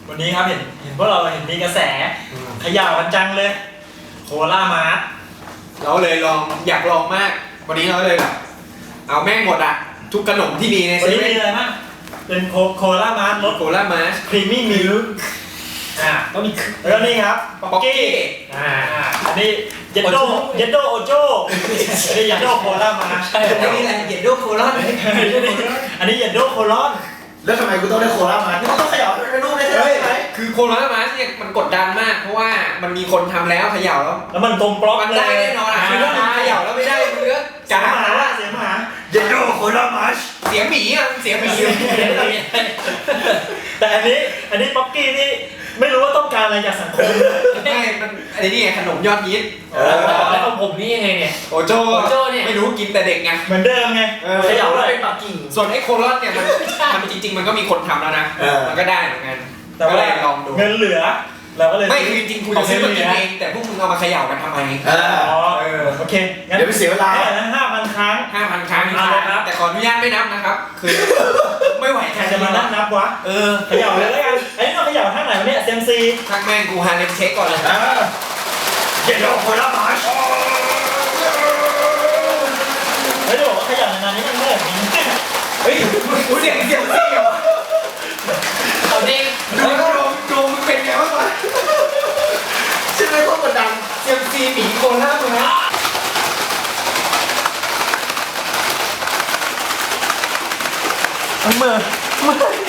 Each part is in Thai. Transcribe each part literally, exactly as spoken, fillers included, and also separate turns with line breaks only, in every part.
วันนี้ครับเห็นเห็นพวกเราเห็นมีกระแสขย่าวกันจังเลยโคล่ามาร์ท
เราเลยลองอยากลองมากวันนี้เราเลยแบบเอาแม่งหมดอะทุกขนมที่มีใน
วัน
เซ
นี้
เว่
มี
น
อะไรบ้างเป็นโคโคล่ามาร์ทรส
โคล่ามาส
ครีมมี่มิลค์อ่าก็มีแล้วก็นี่ครับป๊อกกี้อ่าอันนี้เยนโดเยนโดโอโจอันนี้เยนโดโคล่ามาร์ท
อันนี้อะไรเย็นโดโคลอน
อันนี้เยนโดโคลอน
แล้วทำไมกูต้องได้โคล่ามานี่กูต้องขยับเป็นรูปได้ใช่ไหม
คือโคล่ามาสเนี่ยมันกดดันมากเพราะว่ามันมีคนทำแล้วเขย่าแล้ว
แล้วมันตรงปล็อก
มันได้แน่นอนอ่ะคือถ้ามันเขย่าแล้วไม่ได้เนื้อ
เสีย
กาง
หมา
แล้ว
เสียงหมา
เยนโดโคล่ามาช
เสียงหมีอ่ะเสียงหมี
แต่อันนี้อันนี้ป๊อกกี้นี่ไม่รู้ว่าต้องการอะไรจากสังคม
ไม่มันอันนี้ไงขนมยอดฮิต
แล้วของผมนี่ยังไงเนี่ย
โอโจ
โอโจ้เนี่ย
ไม่รู้กินแต่เด็กไง
เหมือนเดิมไง
เออ
เขย่าเลย
เป็นปักกิ่ง
ส่วนไอ้โคลอนเนี่ยมันมันจริง ๆ มันก็มีคนทำแล้วนะมันก็ได้เหมือนกัน
แต่
ก็
ว่า
เลยลองดู
เงินเหลือเราก็เลย
ไม่คือจริงๆกูจะซื้อมากินเองแต่พวกมึงเอามาเขย่ากันทำไม
เออ
อ๋อเออโอเคงั้น
เดี๋ยวไปเสียเวลา
เท่าไหร่นะห้าพันครั้ง
ห้าพันครั้ง
เอาเลยครับ
แต่ขออนุญาตไม่นับนะครับ คือไม่ไหว
ใครจะมานั่งนับวะ
เออ
เขย่าเลยแล้วกันไอ้นี่เราเขย่าท่าไหนวะเนี่ยเซมซี
ทางแม่งกูฮาเลมเช็คก่อนเลย
เออเยนโดโคล่ามาช
เฮ้ยจะบอกว่าเขย่านานๆนี่มันเมื่อยจริง
เฮ้ยกูเสียงเสียงเสียงเหรอ
เอาดิ
ดูโดมโดมมึงเป็นไงบ้างวะ
ใช่ไหมพวกกดดัน
เซียมซีหมีโคล่ามึงนะ
มันเมื่อยเมื่อย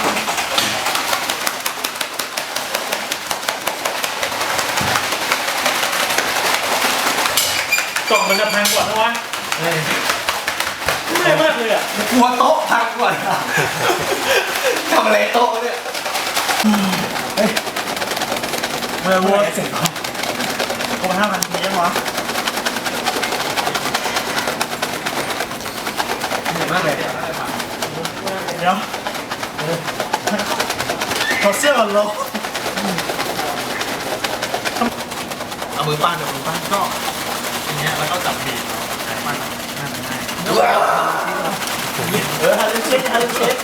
กล่องมันจะพังก่อนนะวะเมื่อยมากเลยอ่ะ
กลัวโต๊ะพังก่อนอะทำอะไรโต๊ะเนี่ย
เมื่อยวัวเสร็จแล้วครบห้าพันทียังวะ
เหนื่อยมากเลย
เดี๋ยวถอดเสื้อก่อนลง
เอามือปั้นเอามือปั้นก็
ทีเนี้ยแล้วก็จับบีบใช้มันน่าจะง่าย
ว้าว
เออฮัลโหลเช็คฮัลโหลเช็ค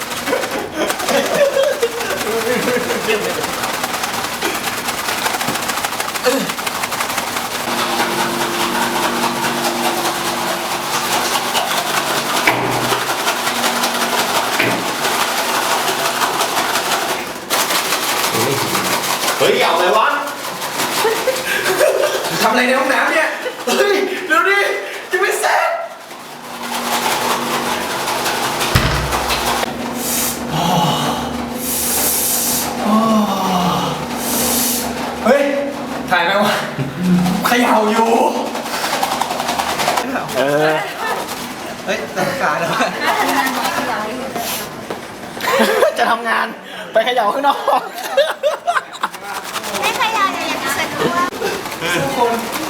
เฮ้ยเอาเลยวะ
ทำอะไรในห้องน้ำเนี่ย
เฮ้ยเดี๋ยวดิจะไม่เสร็จเฮ้ย
ถ่ายไหมวะ
เขย่าอยู่
เออ
เฮ้ยตั้งการแล้ว
จะทำงานไปเขย่าข้างนอก
ไม่ขยันอย่างนี้สะดวก
ทุกคน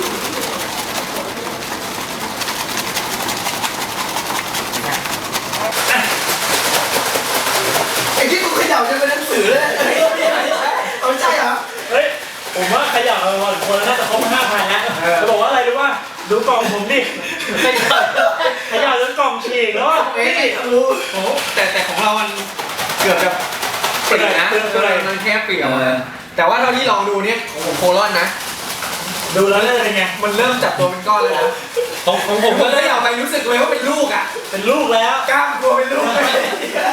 ไอ้ที่กูเขย่าจะเป็นหนังสือเลยเฮ้ยเอาไม่ใช่เหรอ
เฮ้ยผมว่าขยับเอาวันคนน่าจะครบห้าพันแล้วจะบอกว่าอะไรรู้ป่ะดูกล่องผมดิขยับขยับจนกล่องฉีกแล้วอ่ะ
เอ้ยรู้โอ้แต่แต่ของเรามันเกือบจะเปลี่ยนนะมันแค่เปลี่ยนแต่ว่าเราที่ลองดูเนี่ยของผมโคลอนนะ
ดูแล้วเนี่ยเป็นไง
มันเริ่มจับตัวเป็นก้อนแล้วนะ
ของของผ
ผม ม
ก็
ก็เลยเอาไปรู้สึกเลยว่าเป็นลูกอ่ะ
เป็นลูกแล้ว
กล้ามกลัวเป็นลูกเลย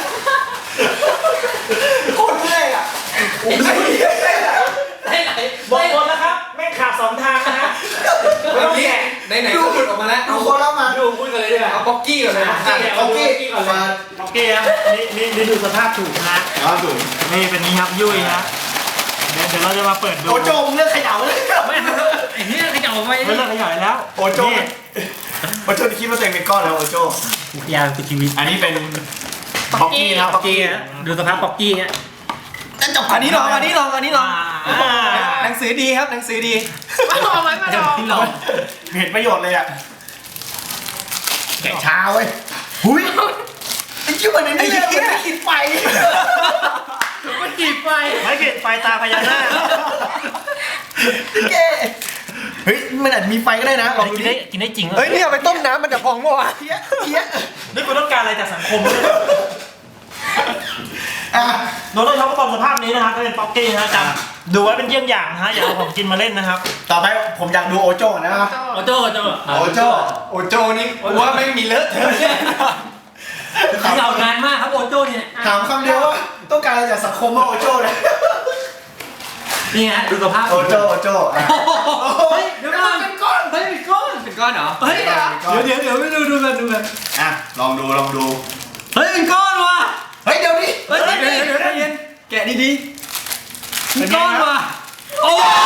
โคตรเท่อะผมใช่
ได้ไหน
บอกคนแล้วครับแม่งขาดสองทางนะฮะไม่ต้องแกะ
ไหนไหนๆก็หลุดออกมาแล้ว
ดูโคล่ามา
ดูพูดกันเลยดีกว่า
เอาป๊อกกี้ก่อนเลย
อ่ะโอเคมา
โอเคครับนี่นี่นี่ดูสภาพถูกนะ
เอาดู
นี่เป็นนี้ครับยุ่ยนะเดี๋ยวเดี๋ยวเราจะมาเปิดดู
โอโจมเลือกเขย่าเลย
ไม่ไอ้เนี่ยขยับออกไป
ไม่เลิกขยายแล้ว
โอโจ
นี่
โอโจคิดว่าตัวเองเป็นก้อนแล้วโอโจ
ยาวคือชีวิต
อันนี้เป็น
ป๊อกกี้ป๊อกกี้ฮะดูสภาพป๊อกกี้ฮะ
อันนี้ลองอันนี้ลองอันนี้ลอง
อ่า
หนังสือดีครับหนังสือดี
เอาไว้มาลอง
ลอง
เห็นประโยชน์เลยอ่ะแกะช้าเว้ยหุยไอ้ชื่อมันไอ้นี่เลยมันขีดไฟ
มันกีบไฟ
ไม่เกิดไฟตาพญานาค
แกเฮ้ยมันอาจจะมีไฟก็ได้นะลองดู
กิน
ดิ
ได้กินได้จริงเหรอ
เฮ้ยนี่เอาไปต้มน้ำมันจะพองมั้วะ
เทียเทีย
นี่คุณต้องการอะไรจากสังคมเนี่ย
อ่ะ
โดนช็อกโกบอลสภาพนี้นะครับก็เป็นป๊อกกี้นะจำดูไว้เป็นเยี่ยงอย่างนะฮะอย่าเอาของกินมาเล่นนะครับ
ต่อไปผมอยากดูโอโจ้นะครับ
โอโจ้โอโจ้
โอโจ้
โอโจนี่กูว่าไม่มีเลอะเทอะแน่นอน
เขย่านานมากครับโอโจ้เนี่ย
ถามคำเดียวว่าต้องการอะไรจากสังคมว่าโอโจ้เลย
นี่ฮะดูสภาพ
โอโจ้โอโจ้อ่ะ
เฮ้ยเดี๋ยวก่อน
เป็นก้อนเฮ้ยเป็นก้อนเป็นก้อนเหรอ
เฮ้ยเดี๋ยวเดี๋ยวเดี๋ยวไม่ดูดูกันดูกัน
อ่ะลองดูลองดู
เฮ้ยเป็นก้อนว่ะ
เฮ้ยเดี๋ยวดิ
เฮ้ย
เดี๋ยวเดี๋ยวเดี๋ยวเย็นแกะดีๆ
เป็นก้อนว่ะโอ้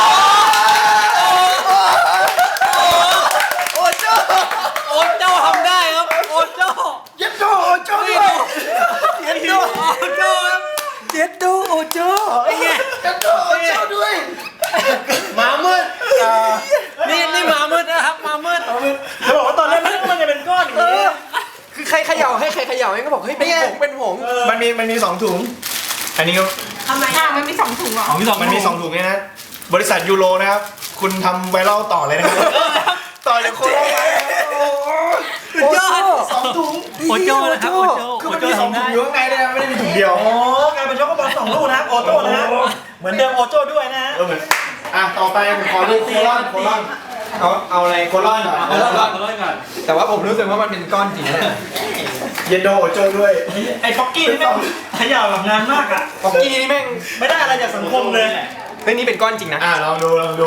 โอโจ้
โอโจ้ทำได้ครับโอโจ้
เย็ดโจ้โอโจ้ด้วยเย็ดโจ้
โอโจ้ครับเจ็ดดูโอโจ้ไอ้ไง
เย็ดโจ้โอโจ้ด้วยมามืดอ่า
นี่นี่มามืดนะครับมามืด
จะบอกว่าตอนแรกมันมันจะเป็นก้อนอย่างนี้
คือใครเขย่าให้ใครเขย่าให้ก็บอกเฮ้ยเป็นผงเป็นผง
มันมีมันมีสองถุง อันนี้ก็
ทำไมอ่ะมันมีสองถุงเหรอ
ของที่สอง
มันมีสองถุงเนี่ยนะบริษัทยูโรนะครับคุณทำไวรัลต่อเลยนะครับต่อจากโคโรนา
สุดยอด
สองถุง
โอโจ้นะครับโอโจ้
คือ
โอ
มัน
โจ้
มีสอง
ทำ
ถุ
ได้
งอยู่ข้างในเลยนะไม่ได้มีถุงเดียว
โอ้กลายเป็นช็อกโกบอลสองลูกนะครับโอโจ้นะฮะเหมือนเดิมโอโจ้ด้วยนะฮะ
เออเหมือนอ่ะต่อไปผมขอดูโคลอนโคลอน
เอาเอาอะไร
โคลอนก่อน
เอาละเอาละก่อน
แต่ว่าผมรู้สึกว่ามันเป็นก้อนจริงนะ
เยนโดโอโจด้วย
ไอ้ป๊อกกี้นี่แม่งเขย่าแบบนานมากอ่ะ
ป๊อกกี้นี่แม่ง
ไม่ได้อะไรจากสังคมเลย
เฮ้ยนี่เป็นก้อนจริงนะ
อ่ะลองดูลองดู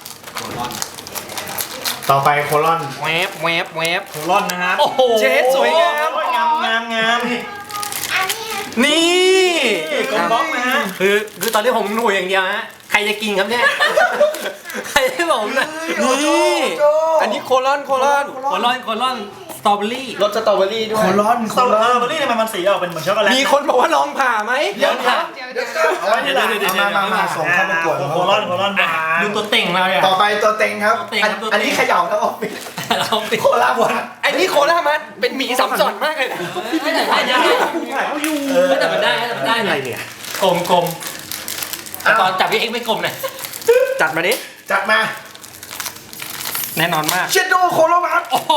ต่อไปโคลอน
แวบแวบแวบ
โคลอนนะครับ
โอ้โห
เจ๊สวยงาม
โอ้ยงามงามงาม
อันนี้
นี่
นี่กลมบล็อกนะฮะ
คือคือตอนนี้ผมหนูอย่างเดียวฮะใครจะกินครับเนี่ยใครให้ผมนะนี่
อันนี้โคลอนโคลอน
โคลอนโคลอนสตรอเบอรี่
รสสตรอเบอรี่ด้ว
โค
ย
ลอน
ส
โค
ตรอ
ล
เบ
อ
อน ร์รี่ทำไมมันสีออกเป็นเหมือนช็อกโกแลต
มีคนบอกว่าลองผ่าไหม
เดี๋ยวค่ะ
เดี๋ยวเดี๋ยว
เอาไว้ที่หลังเอามามามาส่งเข้าประกวด
โคลอนโคลอนมา
ดูตัวเต่งเราเนี่ย
ต่อไปตัวเต็งครับ
ตัวเต็ง
อัน
ครับตัวเต็ง
อันนี้เขย่าทั้งออฟฟิศ
เราปิด
โคลาบวัด
ไอ้นี่โคลามันเป็นหมีสัมสอนมากเลยนะ
ไม่ได้ไม่ได้
ถ่ายเขาอยู่
ไม่ได้มันได้มันได้อะไรเนี่ยกลมกลมแต่ตอนจับพี่เอ็กไม่กลมเลย
จัดมาดิ
จัดมา
แน่นอนมาก
เชดโดโคลาบัด
โอ้โห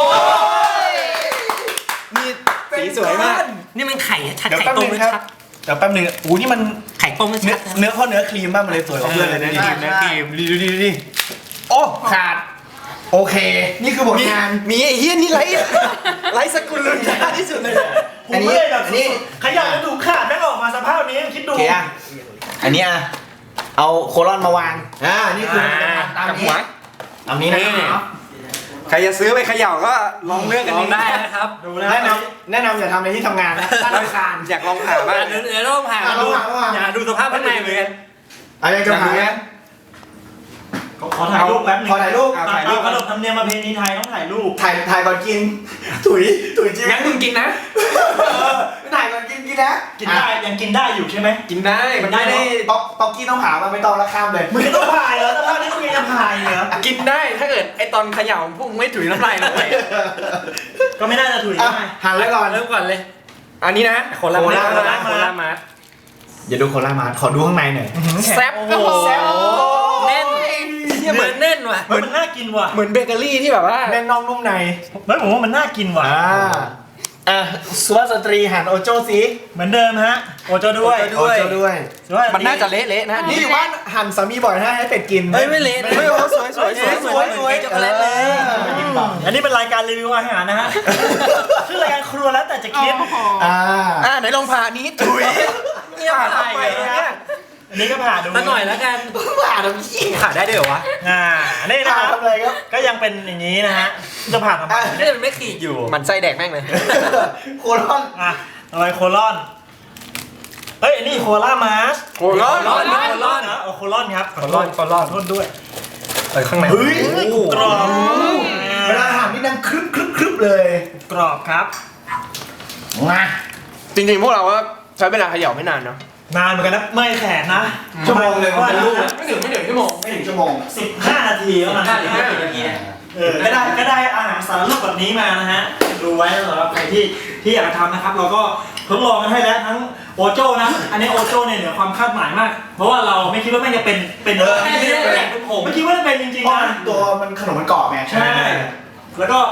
นี่สีสวยมาก
นี่มันไข่ชัด
เดี๋ยว
ไข่
แป๊บ
ต้
นึ
ม
ง
ไม่
ครับ
ชัด
เดี๋ยวแป๊บนึงอู้นี่มัน
ไข่ต้มไม่
เนื้
ชั
อ
ด
เนื้อข้อเนื้อครีมมากมันเลยสวยกว่าเพื่อนเลยนะ
เนื้อครีมเนื้อครีม
ดีดูดีดูดิโอ้ขาดโอเค นี่คือผล
มี
งาน
มีไอ้เฮี้ยนี่ไรไรสกุลลุนยาที่สุดเลย
ผมไม่ได้แบบขยับแล้วดูขาดแม่งออกมาสภาพนี้คิดดู
โอเคอ่ะอันนี้อ่ะเอาโคลอนมาวางอ่านี่คือตาม
กับ
นี้
หัว
ตามนี้นะครับ
ใครจะซื้อไปเขย่าก็ลองเลือกกัน
ลองได้นะครับ
ดูนะ
แนะนำแนะนำอย่าทำในที่ทำงานนะตั้งราคา
อยากลองผ่าบ้าง
เดี๋ยวเดี๋ยวต้องผ่า
อ่ะ
ดู
ระหว่างระหว่าง
อย่าดูสภาพข้างในเหมือนกัน
อะไรจะหา
ขอถ่ายรูปแป๊บนึง
ขอถ่ายรูป
ตามตามขนบธรรมเนียมประเพณีไทยต้องถ่ายรูป
ถ่ายถ่ายก่อนกิน ถุยถุยจริง
งั้นมึงกินนะ
ไม่ถ่ายก่อนกินกินนะ
กินได้ยังกินได้อยู่ใช่ไหม
กินได้
มันไม่ได้ป๊อกป๊อกกี้ต้องหามาไม่ต้องละข้ามเลย
มึงต้องถ่ายเหรอสภาพนี้มึงยังจะถ่ายเหรอ
กินได้ถ้าเกิดไอตอนเขย่าพวกมึงไม่ถุยน้ำลายลงไป
ก็ไม่น่าจะถุย
อ่ะ
ได้
หันแล้วก่อน
เริ่มก่อนเลย
อันนี้นะ
โคลา
โค
มา
ลา
โคลา
โคลา
มา
อย่าดูโคลามาขอดูข้างในหน่อย
แซ่บ
โอ้โห
แซ่บ
แน่น
เหี้ยเห
เห
มื
มื
อ
อน นแน่นว่ะ
เฮ้ยมันน่ากินว่ะ
เหมือนเบเกอรี่ที่แบบว่า
แน่นน่องนุ่มใน
เฮ้ยผมว่ามันน่ากินว่ะ
อ่าอ่ะสุภาพสตรีหันโอโจ้สิ
เหมือนเดิมฮะโอโจด้วย
โอโจ้ด้วย
สุภาพสตรี
มันน่าจะเละๆนะ
นี่อยู่บ้านหั่นสามีบ่อยนะให้เป็ดกิน
เฮ้ยไม่เละ
เฮ้ยโอ้สวยสวยสวย
สวยสวยช็อกโกแลตเลย
อันนี้เป็นรายการรีวิวอาหารนะฮะ ชื่อรายการครัวแล้วแต่จะคิด
โอ้โห
อ่า
อ่าไหนลองผ่านี้ถุย
เงียบ
ผ่า
ไป
ทำไม
เลย
เนี่ย
อันนี้ก็ผ่าดู
มาหน่อยแล้วกัน
ผ่าทำขี้
ผ่าได้ด้วยเหรอวะ
อ่านี่นะ
ผ่า
ครับ
ทำอะไรครับ
ก็ยังเป็นอย่างนี้นะฮะ จะผ่าทำไม
นี่มันไม่ขีดอยู่
มันไส้แดกแม่งเลย
โคลอน
อ่ะอะไรโคลอน เฮ้ยอันนี้โคลามาส
โคลอน
โคลอน
โคลอนนะเอาโคลอนครับ
โคลอนโคลอน
โทษด้วย
เออข้างใน
เฮ้ย
กรอบ
เวลาหั่นนี่ดังครึบครึบครึบเลย
กรอบครับ
มา
จริงๆพวกเราก็ใช้เวลาเขย่าไม่นานเนาะ
นานเหมือนกันนะเมื่อยแขนนะ
ชั่วโมงหนึ่ง
ว่า
เป็นลูก
ไม่ถึงไม่ถึงชั่วโมง
ไม่ถึงชั่วโมง
สิบห้านาทีแล้วนะ
ห้าถึงห้าสิบนาทีเนี่ย
เออก็ได้ก็ได้อาหารสารรูปแบบนี้มานะฮะ ดูไว้สำหรับใครที่ที่อยากจะทำนะครับ เราก็ทดลองกันให้แล้วทั้งโอโจ้นะ อันนี้โอโจ้เนี่ยเหนือความคาดหมายมาก เพราะว่าเราไม่คิดว่าแม่งจะเป็นเป็น
เออ
ไม่คิดว่าเป็นผมไม่คิดว่าจะเป็นจริง
เพราะ
ๆนะ
ตัวมันขนมมันกรอบไง
ใช่ แล้วก็โค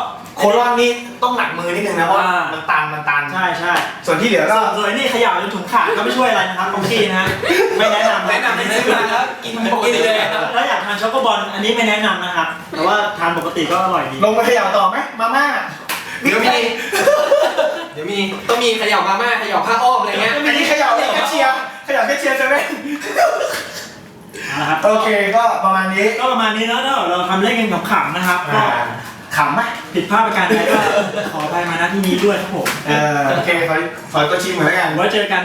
ลอนนี่ต้องหนักมือนิดนึงนะเพราะว่า
อ่ามั
มันตันมันตัน
ใช่ใช่
ส่วนที่เหลือก็
ส่วนนี่เขย่าจนถุงขาดก็ไม่ช่วยอะไรนะครับบางทีนะฮะไม่แนะนำ
แนะนำให้ซื้อมาแล้วกินปกติเลยครับ
ถ้าอยากทานช็อกโกบอลอันนี้ไม่แนะนำนะครับแต่ว่าทานปกติก็อร่อยดี
ลงไปเขย่าต่อไหมมาม่า
เดี๋ยวมี เดี๋ยวมีต้องมีเขย่ามาม่าเขย่าผ้าอ้อมอะไรเงี้ย
อันนี้เขย่าแค่เชียร์เขย่าแค่เชียร์เซเว่น
นะครับ
โอเคก็ประมาณนี้
ก็ประมาณนี้เนอะถ้าเราทำเล่นกันขำๆนะครับก็
อ่าขำไหม
ผิดพลาดประการใดก็ขออภัยมาณที่นี้ด้วยครับผม
เออโอเคขอขอตัวชิมเหมือนกัน
ไว้เจอกัน